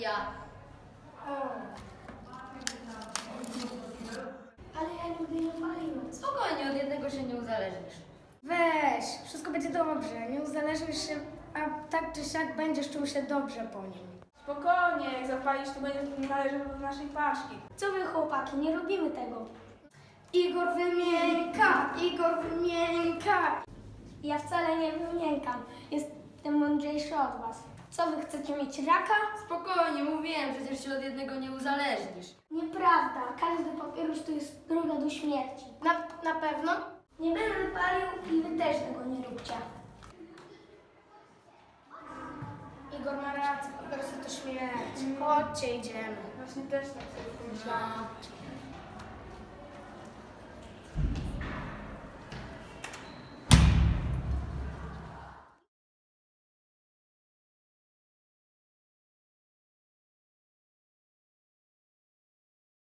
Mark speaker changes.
Speaker 1: Ja.
Speaker 2: Ale ja nigdy nie paliłem.
Speaker 1: Spokojnie, od jednego się nie uzależnisz.
Speaker 2: Weź, wszystko będzie dobrze. Nie uzależnisz się, a tak czy siak będziesz czuł się dobrze po nim.
Speaker 3: Spokojnie, jak zapalisz, to będzie należał do naszej paczki.
Speaker 2: Co wy chłopaki, nie robimy tego. Igor wymięka, Igor wymięka. Ja wcale nie wymiękam. Jestem mądrzejszy od was. Co wy chcecie mieć raka?
Speaker 1: Spokojnie, mówiłem, przecież się od jednego nie uzależnisz.
Speaker 2: Nieprawda, każdy papieros to jest droga do śmierci. Na pewno? Nie będę palił i wy też tego nie róbcie. Igor ma rację, papierosy to śmierć. Chodźcie, idziemy.
Speaker 3: Właśnie też tak sobie pomyślałam.
Speaker 1: No.